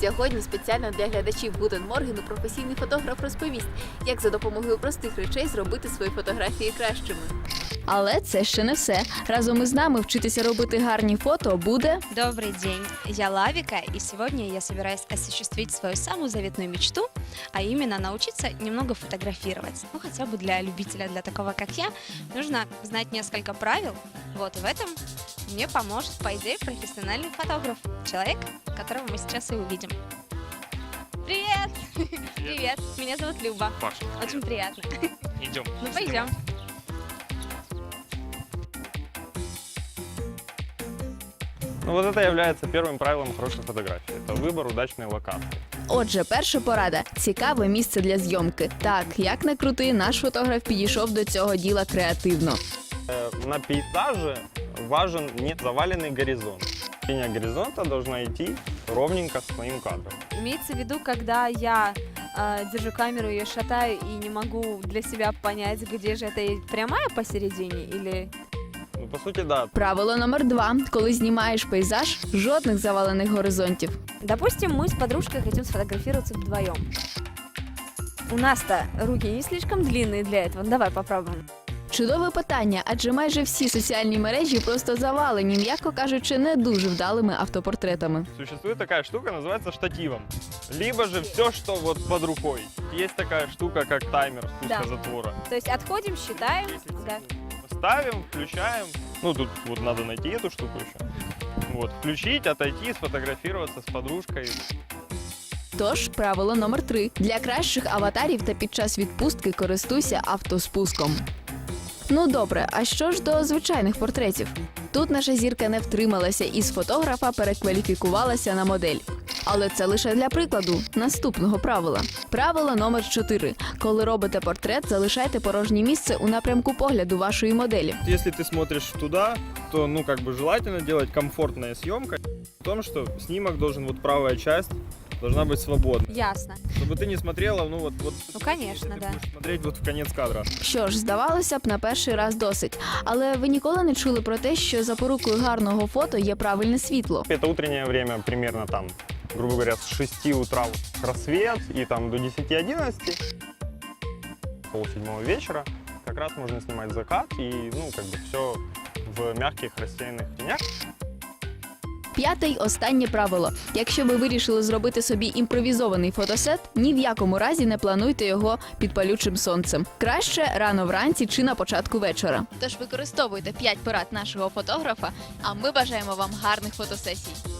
Сьогодні спеціально для глядачів Гутен Моргену професійний фотограф розповість, як за допомогою простих речей зробити свої фотографії кращими. Але це ще не все. Разом із нами вчитися робити гарні фото буде... Добрый день, я Лавика, и сегодня я собираюсь осуществить свою самую заветную мечту, а именно научиться немного фотографировать. Ну, хотя бы для любителя, для такого, как я, нужно знать несколько правил. Вот, и в этом мне поможет, по идее, профессиональный фотограф, человек, которого мы сейчас и увидим. Привет! Привет, меня зовут Люба. Паша, Очень приятно. идем. Ну, пойдем. Ну вот это является первым правилом хорошей фотографии. Это выбор удачной локации. Отже, перша порада – цікаве місце для зйомки. Так, як не крути, наш фотограф підійшов до цього діла креативно. На пейзаже важен не заваленный горизонт. Линия горизонта должна идти ровненько с твоим кадром. Имеется в виду, когда я держу камеру, ее шатаю и не могу для себя понять, где же это прямая посередине или... Ну, по сути, да. Правило номер 2. Коли знімаєш пейзаж, жодних завалених горизонтів. Допустим, мы с подружкой хотим сфотографироваться вдвоем. У нас-то руки не слишком длинные для этого. Давай попробуем. Чудове питання, адже майже всі соціальні мережі просто завалені, м'яко кажучи, не дуже вдалими автопортретами. Существует такая штука, называется штативом. Либо же все, что вот под рукой. Есть такая штука, как таймер спуска затвора. То есть отходим, считаем. Да. Ставим, включаем. Ну, тут вот надо найти эту штуку еще. Вот, включить, отойти, сфотографироваться с подружкой. Тож, правило номер 3. Для кращих аватарів та під час відпустки користуйся автоспуском. Ну добре, а що ж до звичайних портретів? Тут наша зірка не втрималася і з фотографа перекваліфікувалася на модель. Але це лише для прикладу наступного правила. Правило номер 4. Коли робите портрет, залишайте порожнє місце у напрямку погляду вашої моделі. Если ты смотришь туда, то, ну, как бы желательно делать комфортная съемка. В том, что снимок должен, вот правая часть должна быть свободной. Ясно. Чтобы ты не смотрела, ну, вот Ну, конечно, ты да. будешь смотреть вот в конец кадра. Що ж, здавалося б, на перший раз досить. Але ви ніколи не чули про те, що запорукою гарного фото є правильне світло? Это утреннее время, примерно там, грубо говоря, с 6 утра рассвет и там до 10-11. Полседьмого вечера как раз можно снимать закат и, ну, как бы все в мягких рассеянных тенях. П'яте й останнє правило. Якщо ви вирішили зробити собі імпровізований фотосет, ні в якому разі не плануйте його під палючим сонцем. Краще рано вранці чи на початку вечора. Тож використовуйте 5 порад нашого фотографа, а ми бажаємо вам гарних фотосесій.